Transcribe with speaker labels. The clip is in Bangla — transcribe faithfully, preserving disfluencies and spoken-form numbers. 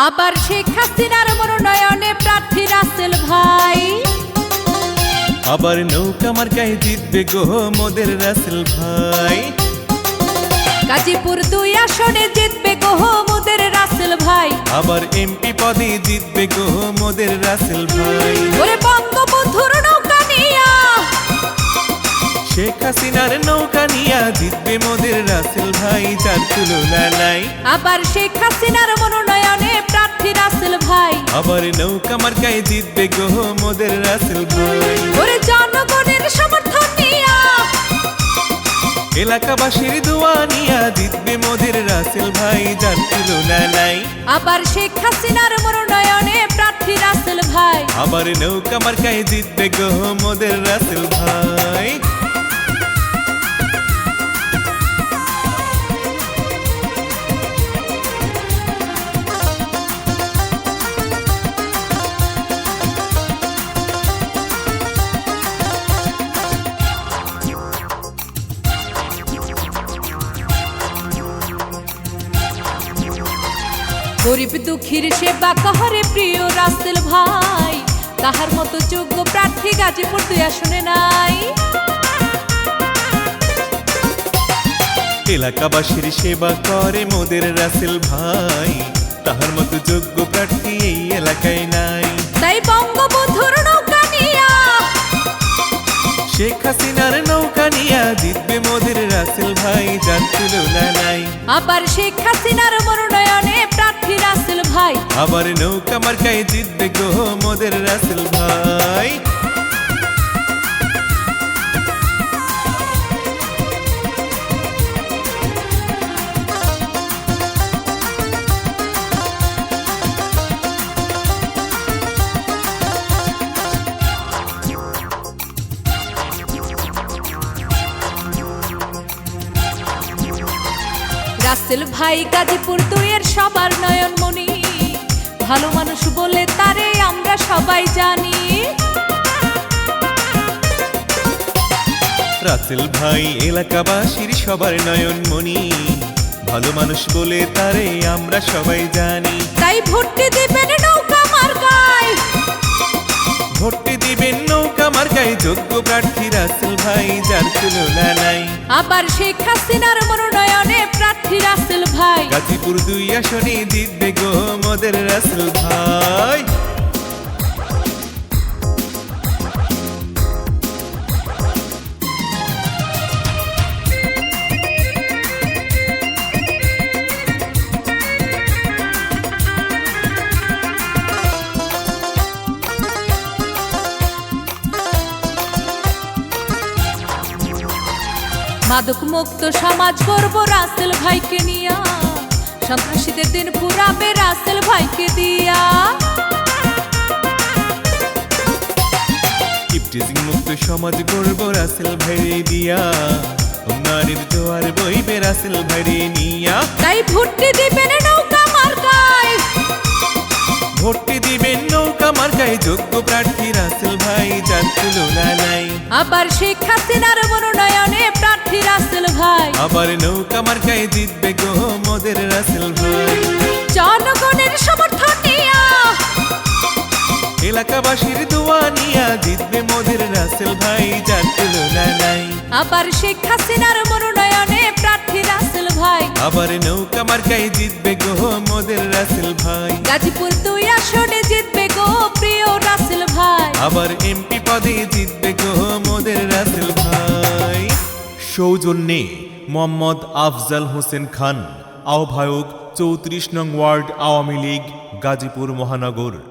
Speaker 1: আবার শেখ হাসিনার মনোনয়নে প্রার্থী রাসেল ভাই।
Speaker 2: আবার নৌকা মার্কায় জিতবে গো মোদের রাসেল ভাই।
Speaker 1: গাজীপুর দুই আসনে জিতবে গো মোদের রাসেল ভাই।
Speaker 2: আবার এমপি পদে জিতবে গো মোদের রাসেল ভাই।
Speaker 1: ওরে বঙ্গবন্ধুর নৌকা নিয়া,
Speaker 2: শেখ হাসিনার নৌকা নিয়া জিতবে মোদের রাসেল ভাই, যার তুলনা নাই।
Speaker 1: আবার শেখ হাসিনার মনোনয়নে প্রার্থী রাসেল ভাই।
Speaker 2: আবার নৌকা মার্কায় জিতবে গো মোদের রাসেল ভাই।
Speaker 1: ওরে জনগণের সমর্থন নিয়া,
Speaker 2: এলাকাবাসীর দোয়া নিয়া জিতবে মোদের রাসেল ভাই, যার তুলনা নাই।
Speaker 1: আবার শেখ হাসিনার মনোনয়নে প্রার্থী রাসেল ভাই।
Speaker 2: আবার নৌকা মার্কায় জিতবে গো মোদের রাসেল ভাই।
Speaker 1: গরিব দুঃখীর সেবা কহরে প্রিয় রাসেল ভাই। তাহার মতো যোগ্য প্রার্থী গাজীপুর দুই আসনে নাই।
Speaker 2: এলাকাবাসীর সেবা করে মোদের রাসেল ভাই, তাহার মতো যোগ্য প্রার্থী এই এলাকায় নাই।
Speaker 1: তাই বঙ্গবন্ধুর নৌকা নিয়া,
Speaker 2: শেখ হাসিনার নৌকা নিয়া জিতবে মোদের রাসেল ভাই, যার তুলনা নাই।
Speaker 1: আবার শেখ হাসিনার মনোনয়নে প্রার্থী রাসেল ভাই।
Speaker 2: আবার নৌকা মার্কায় জিতবে গো মোদের রাসেল ভাই।
Speaker 1: রাসেল ভাই গাজীপুর দুইয়ের সবার নয়নমণি, ভালো মানুষ বলে তারে আমরা সবাই জানি।
Speaker 2: রাসেল ভাই এলাকাবাসীর সবার নয়নমণি, ভালো মানুষ বলে তারে আমরা সবাই জানি।
Speaker 1: তাই ভোটটি দিবেন নৌকা মার্কায়,
Speaker 2: ভোটটি দিবেন নৌকা মার্কায় যোগ্য প্রার্থী রাসেল ভাই, যার তুলনা নাই।
Speaker 1: আবার শেখ হাসিনার মনোনয়নে প্রার্থী রাসেল ভাই।
Speaker 2: গাজীপুর দুই আসনে জিতবে গো মোদের রাসেল ভাই।
Speaker 1: মাদক মুক্ত সমাজ গর্ব রাসেল ভাইকে নিয়া, সন্ত্রাসীদের দিন পুরাবে রাসেল ভাইকে দিয়া।
Speaker 2: ইফটিজিং মুক্ত সমাজ গর্ব রাসেল ভাইরে দিয়া, উন্নয়নের জোয়ার বইবে রাসেল ভাইরে নিয়া।
Speaker 1: তাই ভোটটি দিবেন নৌকা মার্কায়,
Speaker 2: ভোটটি দিবেন নৌকা মার্কায় যোগ্য প্রার্থী রাসেল ভাই, যার তুলনা নাই।
Speaker 1: আবার শেখ হাসিনার মনোনয়নে প্রার্থী রাসেল ভাই।
Speaker 2: আবার নৌকা মার্কায় জিতবে গো মোদের রাসেল ভাই।
Speaker 1: জনগণের সমর্থন নিয়া,
Speaker 2: এলাকাবাসীর দোয়া নিয়া জিতবে মোদের রাসেল ভাই, যার তুলনা নাই।
Speaker 1: আবার শেখ হাসিনার মনোনয়নে প্রার্থী রাসেল ভাই।
Speaker 2: আবার নৌকা মার্কায় জিতবে গো মোদের রাসেল ভাই।
Speaker 1: গাজীপুর দুই আসনে জিতবে গো প্রিয় রাসেল ভাই।
Speaker 2: আবার এমপি পদে জিতবে গো মোদের রাসেল ভাই। সৌজন্যে মোহাম্মদ আফজাল হোসেন খান, আহ্বায়ক চৌত্রিশ নং ওয়ার্ড আওয়ামী লীগ, গাজীপুর মহানগর।